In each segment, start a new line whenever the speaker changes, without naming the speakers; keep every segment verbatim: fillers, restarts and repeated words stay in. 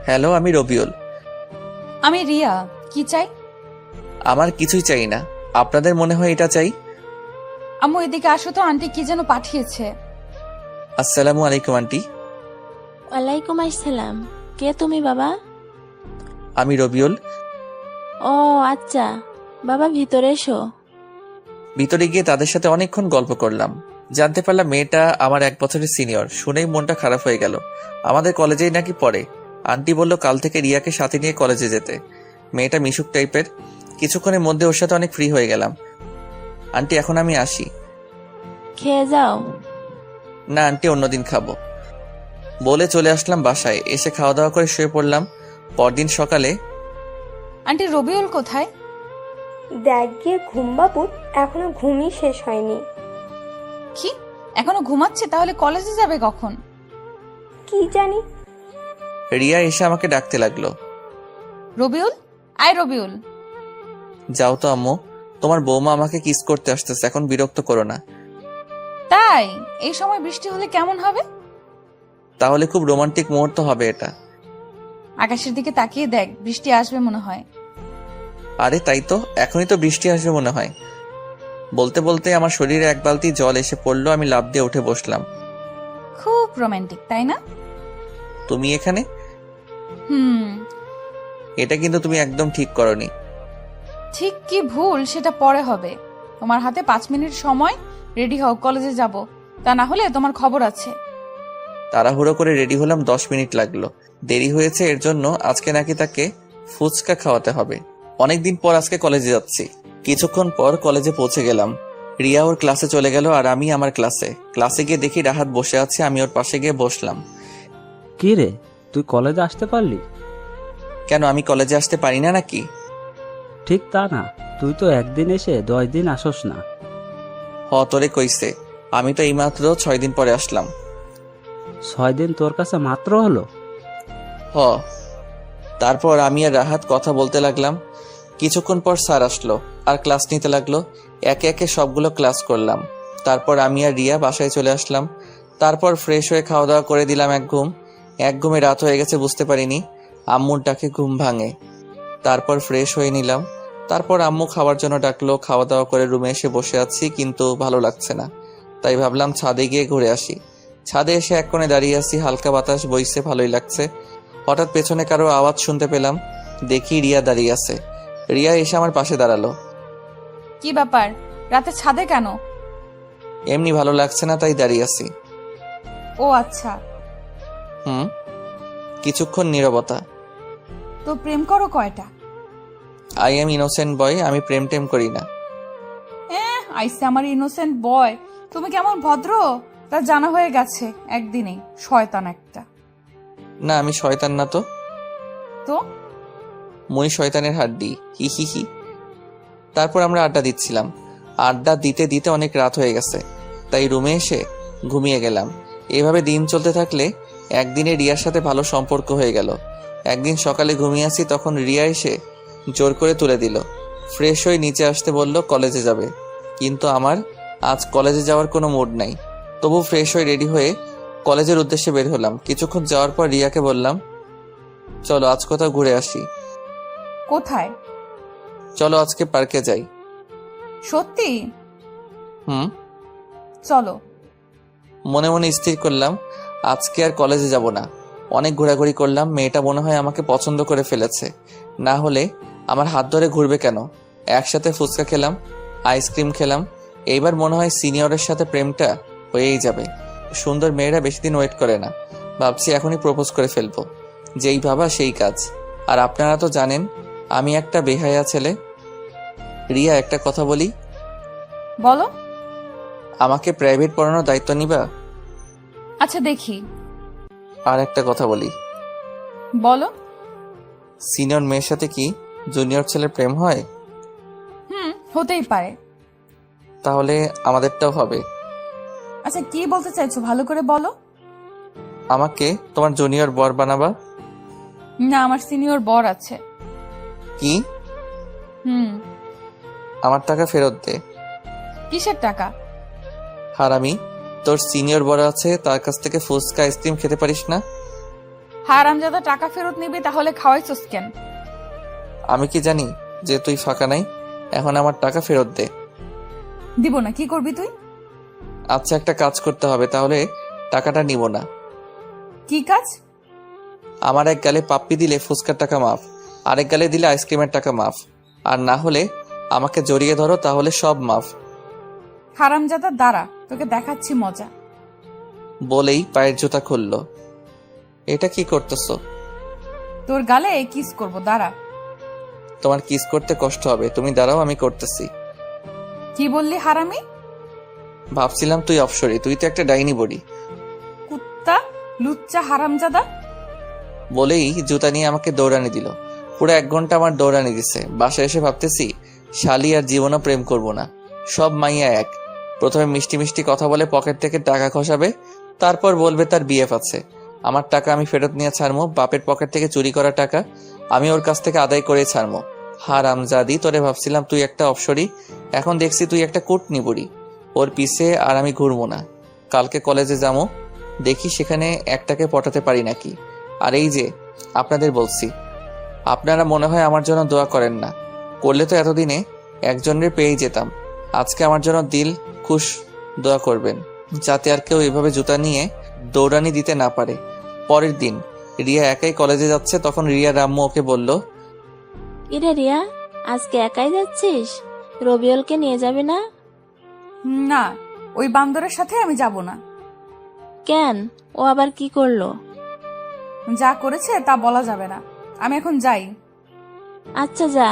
Hello, আমি রবিউল।
আমি রিয়া। কি চাই?
আমার কিছুই চাই না। আপনাদের মনে হয় এটা চাই?
আম্মু এদিকে আসো তো, আন্টি কি যেন পাঠিয়েছে।
আসসালামু আলাইকুম আন্টি।
ওয়ালাইকুম আসসালাম। কে তুমি বাবা?
আমি রবিউল।
ও আচ্ছা, বাবা ভিতরে এসো।
ভিতরে গিয়ে তাদের সাথে অনেকক্ষণ গল্প করলাম। জানতে পারলাম মেয়েটা আমার এক বছরের সিনিয়র। শুনেই মনটা খারাপ হয়ে গেল। আমাদের কলেজেই নাকি পড়ে। আন্টি বলল কাল থেকে রিয়াকে সাথে নিয়ে কলেজে যেতে। মেয়েটা মিশুক টাইপের। কিছুক্ষণের মধ্যে ওর সাথে অনেক ফ্রি হয়ে গেলাম। আন্টি এখন আমি আসি।
খেয়ে যাও।
না আন্টি, অন্যদিন খাবো বলে চলে আসলাম বাসায়। এসে খাওয়া দাওয়া করে শুয়ে পড়লাম। পরদিন সকালে
আন্টি রবিউল কোথায়?
দেখ গিয়ে ঘুম বাবু, এখনো ঘুমই শেষ হয়নি।
কি এখনো ঘুমাচ্ছে? তাহলে কলেজে যাবে কখন?
কি জানি।
রিয়া এসে আমাকে ডাকতে লাগলো।
রবিউল, আয় রবিউল।
যাও তো আম্মু, তোমার বৌমা আমাকে কিস করতে আসতেছে, এখন বিরক্ত করো না।
তাই? এই সময় বৃষ্টি হলে কেমন হবে?
তাহলে খুব রোমান্টিক মুহূর্ত হবে এটা।
আকাশের দিকে তাকিয়ে দেখ, বৃষ্টি আসবে মনে হয়।
আরে তাই তো, এখনই তো বৃষ্টি আসবে মনে হয়। বলতে বলতে আমার শরীরে এক বালতি জল এসে পড়লো। আমি লাফ দিয়ে উঠে বসলাম।
খুব রোমান্টিক, তাই না?
তুমি এখানে?
হুম।
এটা কিন্তু তুমি একদম ঠিক করনি।
ঠিক কি ভুল সেটা পরে হবে। তোমার হাতে পাঁচ মিনিট সময়, রেডি হও, কলেজে যাব। তা না হলে তোমার খবর আছে।
তাড়াহুড়ো করে রেডি হলাম, দশ মিনিট লাগলো। দেরি হয়েছে এর জন্য আজকে নাকি তাকে ফুচকা খাওয়াতে হবে। অনেকদিন পর আজকে কলেজে যাচ্ছি। কিছুক্ষণ পর কলেজে পৌঁছে গেলাম। রিয়া ওর ক্লাসে চলে গেল আর আমি আমার ক্লাসে। ক্লাসে গিয়ে দেখি রাহাত বসে আছে। আমি ওর পাশে গিয়ে বসলাম।
কি রে, তুই কলেজে আসতে পারলি?
কেন, আমি কলেজে আসতে পারি না নাকি?
ঠিক তা না, তুই তো একদিন এসে দশ দিন আসস না।
হ, তোরে কইছে। আমি তো এইমাত্র ছয় দিন পরে আসলাম।
ছয় দিন তোর কাছে মাত্র হলো?
হ। তারপর আমি আর রাহাত কথা বলতে লাগলাম। কিছুক্ষণ পর স্যার আসলো আর ক্লাস নিতে লাগলো। একে একে সবগুলো ক্লাস করলাম। তারপর আমি আর রিয়া বাসায় চলে আসলাম। তারপর ফ্রেশ হয়ে খাওয়া দাওয়া করে দিলাম এক ঘুম। এক ঘুমে রাত হয়ে গেছে বুঝতে পারিনি। আম্মুর ডাকে ঘুম ভাঙে। তারপর ফ্রেশ হয়ে নিলাম। তারপর আম্মু খাওয়ার জন্য ডাকলো। খাওয়া দাওয়া করে রুমে এসে বসে আছি, কিন্তু ভালো লাগছে না। তাই ভাবলাম ছাদে গিয়ে ঘুরে আসি। ছাদে এসে এক কোণে দাঁড়িয়ে আছি, হালকা বাতাস বইছে, ভালোই লাগছে। হঠাৎ পেছনে কারো আওয়াজ শুনতে পেলাম। দেখি রিয়া দাঁড়িয়ে আছে। রিয়া এসে আমার পাশে দাঁড়ালো।
কি ব্যাপার, রাতে ছাদে কেন?
এমনি ভালো লাগছে না, তাই দাঁড়িয়ে আছি।
ও আচ্ছা।
হুম। কিছুক্ষণ নীরবতা।
তো প্রেম করো কয়টা?
আই এম ইনোসেন্ট বয়, আমি প্রেম টেম করি না।
আইসে আমার ইনোসেন্ট বয়। তুমি কেমন ভদ্র তা জানা হয়ে গেছে একদিনেই। শয়তান একটা।
না, আমি শয়তান না তো।
তো
মই শয়তানের হাড্ডি, হি হি হি। তারপর আমরা আড্ডা দিচ্ছিলাম। আড্ডা দিতে দিতে অনেক রাত হয়ে গেছে, তাই রুমে এসে ঘুমিয়ে গেলাম। এভাবে দিন চলতে থাকলে একদিনে রিয়ার সাথে ভালো সম্পর্ক হয়ে গেল। একদিন সকালে ঘুমিয়ে আসি, তখন রিয়া এসে জোর করে তুলে দিল। ফ্রেশ হয়ে নিচে আসতে বলল কলেজে যাবে, কিন্তু আমার আজ কলেজে যাওয়ার কোনো মুড নাই। তবু ফ্রেশ হয়ে রেডি হয়ে কলেজের উদ্দেশ্যে বের হলাম। কিছুক্ষণ যাওয়ার পর রিয়াকে বললাম, চলো আজ কোথাও ঘুরে আসি।
কোথায়?
চলো আজকে পার্কে যাই।
সত্যি?
হুম।
চলো।
মনে মনে স্থির করলাম আজকে আর কলেজে যাব না। অনেক ঘোরাঘুরি করলাম। মেয়েটা মনে হয় আমাকে পছন্দ করে ফেলেছে, না হলে আমার হাত ধরে ঘুরবে কেন? একসাথে ফুচকা খেলাম, আইসক্রিম খেলাম। এইবার মনে হয় সিনিয়রের সাথে প্রেমটা হয়েই যাবে। সুন্দর মেয়েরা বেশি দিন ওয়েট করে না। ভাবছি এখনই প্রপোজ করে ফেলবো। যেই ভাবা সেই কাজ। আর আপনারা তো জানেন আমি একটা বেহায়া ছেলে। রিয়া, একটা কথা বলি।
বলো।
আমাকে প্রাইভেট পড়ানোর দায়িত্ব নিবা?
আচ্ছা দেখি।
আর একটা কথা বলি।
বলো।
সিনিয়র মেয়ের সাথে কি জুনিয়র ছেলের প্রেম হয়?
হুম, হতেই পারে।
তাহলে আমাদেরটাও হবে।
আচ্ছা কি বলতে চাইছো ভালো করে বলো।
আমাকে তোমার জুনিয়র বর বানাবা?
না, আমার সিনিয়র বর আছে।
কি?
হুম।
আমার টাকা ফেরত দে।
কিসের টাকা?
হারামি, তোর সিনিয়র বর আছে, তার কাছ থেকে ফুচকা আইসক্রিম খেতে পারিস না?
হারামজাদা টাকা ফেরত নিবি তাহলে খাওয়াইছস কেন?
আমি কি জানি যে তুই ফাঁকা নাই? এখন আমার টাকা ফেরত দে।
দিব না, কি করবি তুই?
আচ্ছা, একটা কাজ করতে হবে, তাহলে টাকাটা নিব না।
কি কাজ?
আমার এক গালে পাপ্পি দিলে ফুচকার টাকা মাফ, আরেক গালে দিলে আইসক্রিমের টাকা মাফ, আর না হলে আমাকে জড়িয়ে ধরো, তাহলে সব মাফ।
হারামজাদা দাঁড়া, তোকে দেখাচ্ছি মজা।
বলেই পায়ের জুতা খুললো। এটা কি করতেছো?
তোর গালে কিস করব, দাঁড়া।
তোমার কিস করতে কষ্ট হবে, তুমি দাঁড়াও, আমি করতেছি।
কি বললি হারামি?
ভাবছিলাম তুই অপসরি, তুই তো একটা ডাইনি বডি।
কুত্তা, লুচ্চা হারামজাদা।
বলেই জুতা নিয়ে আমাকে দৌড়ানি দিল। পুরো এক ঘন্টা আমার দৌড়ানি দিছে। বাসায় এসে ভাবতেছি শালি আর জীবনও প্রেম করব না, সব মাইয়া এক। প্রথমে মিষ্টি মিষ্টি কথা বলে পকেট থেকে টাকা খসাবে, তারপর বলবে তার বিএফ আছে। আমার টাকা আমি ফেরত নিয়ে ছাড়মো, বাপের পকেট থেকে চুরি করা টাকা আমি ওর কাছ থেকে আদায় করে ছাড়মো। হারামজাদি, তোরে ভাবছিলাম তুই একটা অপসরি, এখন দেখছি তুই একটা কুটনি বুড়ি। ওর পিছে আর আমি ঘুরবো না। কালকে কলেজে যাবো, দেখি সেখানে একটাকে পটাতে পারি নাকি। আর এই যে আপনাদের বলছি, আপনারা মনে হয় আমার জন্য দোয়া করেন না, করলে তো এতদিনে একজনের পেয়েই যেতাম। আজকে আমার জন্য দিল খুশ দোয়া করবেন, যাতে আর কেউ এভাবে জুতা নিয়ে দৌড়ানি দিতে না পারে। পরের দিন রিয়া একাই কলেজে যাচ্ছে, তখন রিয়া রাম্মু ওকে বলল,
ইরে রিয়া, আজকে একাই যাচ্ছিস? রবিউলকে নিয়ে যাবি না?
না, ওই বান্দরের সাথে আমি যাব না।
কেন, ও আবার কি করলো?
যা করেছে তা বলা যাবে না, আমি এখন যাই।
আচ্ছা যা।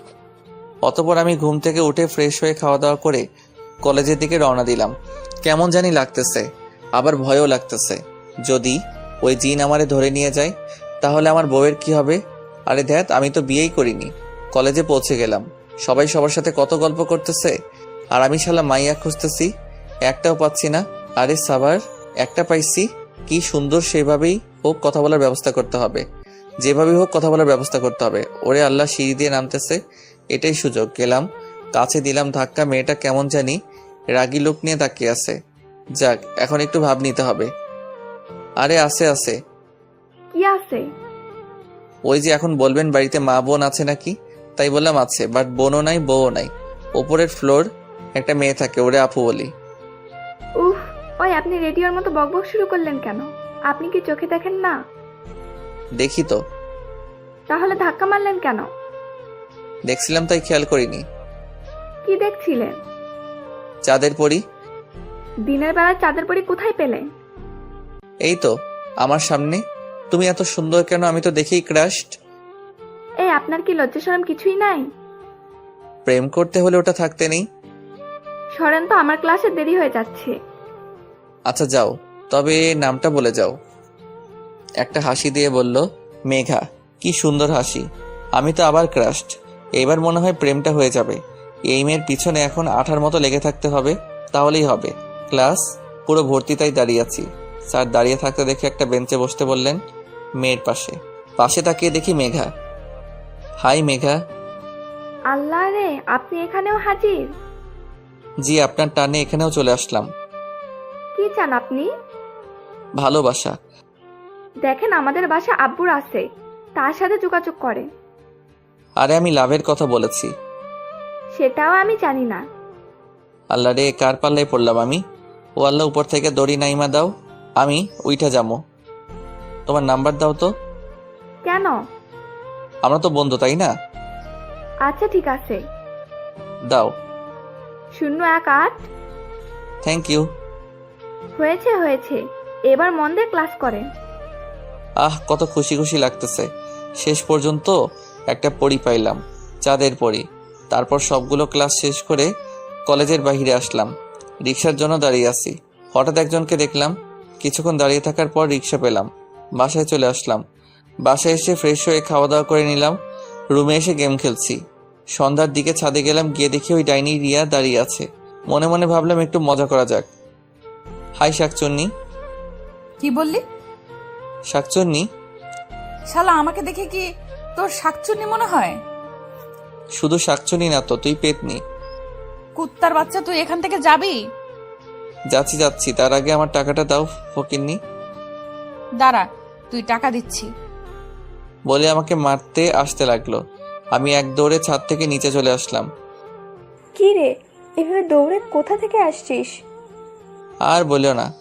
অতপর আমি ঘুম থেকে উঠে ফ্রেশ হয়ে খাওয়া দাওয়া করে কলেজের দিকে রওনা দিলাম। কেমন জানি লাগতেছে, আবার ভয়ও লাগতেছে। যদি ওই জিন আমারে ধরে নিয়ে যায় তাহলে আমার বউয়ের কি হবে? আরে ধ্যাত, আমি তো বিয়েই করিনি। কলেজে পৌঁছে গেলাম, সবাই সবার সাথে কত গল্প করতেছে, আর আমি শালা মাইয়া খুঁজতেছি, একটাও পাচ্ছি না। আরে সাবার, একটা পাইছি, কি সুন্দর। সেভাবেই হোক কথা বলার ব্যবস্থা করতে হবে, যেভাবেই হোক কথা বলার ব্যবস্থা করতে হবে। ওরে আল্লাহ, সিঁড়ি দিয়ে নামতেছে, এটাই সুযোগ। গেলাম, কাছে দিলাম ধাক্কা। মেয়েটা কেমন জানি রাগী লোক নিয়ে তাকিয়ে আছে। যাক, এখন একটু ভাব নিতে হবে। আরে আছে আছে।
কি আছে?
ওই যে এখন বলবেন বাড়িতে মা বোন আছে নাকি, তাই বললাম আছে, বাট বোনও নাই বউও নাই। ওপরের ফ্লোর একটা মেয়ে থাকে, ওরে আপু বলি।
উফ, ওই আপনি রেডিওর মতো বকবক শুরু করলেন কেন? আপনি কি চোখে দেখেন না?
দেখি তো।
তাহলে ধাক্কা মারলেন কেন?
দেখছিলাম তাই খেয়াল করিনি।
কি দেখছিলেন?
চাঁদের পরি।
দিনের বেলায় চাঁদের পরি কোথায় পেলে?
এই তো আমার সামনে। তুমি এত সুন্দর কেন? আমি তো দেখেই ক্রাশড।
এই, আপনার কি লজ্জা শরম কিছুই নাই?
প্রেম করতে হলে ওটা থাকতে নেই।
সরেন তো, আমার ক্লাসে দেরি হয়ে যাচ্ছে।
আচ্ছা যাও, তবে নামটা বলে যাও। একটা হাসি দিয়ে বলল, মেঘা। কি সুন্দর হাসি। আমি তো আবার ক্রাশড। এবার মনে হয় প্রেমটা হয়ে যাবে। এই মেয়ের পিছনে এখন আঠার মতো লেগে থাকতে হবে, তাহলেই হবে। ক্লাস পুরো ভর্তি, তাই দাঁড়িয়ে আছি। স্যার দাঁড়িয়ে থাকতে দেখে একটা বেঞ্চে বসতে বললেন, মেয়ের পাশে। পাশে তাকিয়ে দেখি মেঘা। হাই মেঘা।
আল্লাহ রে, আপনি এখানেও হাজির?
জি, আপনার টানে এখানেও চলে আসলাম।
কি চান আপনি?
ভালোবাসা।
দেখেন, আমাদের বাসা আব্বুর আছে, তার সাথে যোগাযোগ করে।
আরে আমি লাভের কথা বলেছি।
সেটাও আমি জানি না।
আল্লাহ রে, কার পাল্লায় পড়লাম আমি। ও আল্লাহ, উপর থেকে দড়ি নাইমা দাও, আমি উইঠা যাবো। তোমার নাম্বার দাও তো।
কেন?
আমরা তো বন্ধু, তাই না?
আচ্ছা ঠিক আছে।
দাও।
শূন্য এক আট।
Thank you.
হয়েছে হয়েছে, এবার মন দিয়ে ক্লাস করেন।
আহ, কত খুশি খুশি লাগতেছে। শেষ পর্যন্ত একটা পড়ি পাইলাম, চাঁদের পড়ি। তারপর সবগুলো ক্লাস শেষ করে কলেজের বাইরে আসলাম। রিক্সার জন্য দাঁড়িয়ে আছি, হঠাৎ একজনকে দেখলাম। কিছুক্ষণ দাঁড়িয়ে থাকার পর রিক্সা পেলাম, বাসায় চলে আসলাম। বাসায় এসে ফ্রেশ হয়ে খাওয়া দাওয়া করে নিলাম। রুমে এসে গেম খেলছি। সন্ধ্যার দিকে ছাদে গেলাম, গিয়ে দেখি ওই ডাইনি রিয়া দাঁড়িয়ে আছে। মনে মনে ভাবলাম একটু মজা করা যাক। হাই শাকচুন্নি।
কি বললি?
শাকচুন্নি।
শালা, আমাকে দেখে কি তোর শাকচুন্নি মনে হয়?
শুধু শাকচুন্নি না তো, তুই পেতনি।
কুত্তার বাচ্চা, তুই এখান থেকে যাবি?
যাচ্ছি যাচ্ছি, তার আগে আমার টাকাটা দাও ফকিন্নি।
দাঁড়া, তুই টাকা দিচ্ছি।
বলে আমাকে মারতে আসতে লাগলো। আমি এক দৌড়ে ছাদ থেকে নিচে চলে আসলাম।
কি রে, এভাবে দৌড়ে কোথা থেকে আসছিস?
আর বলিও না,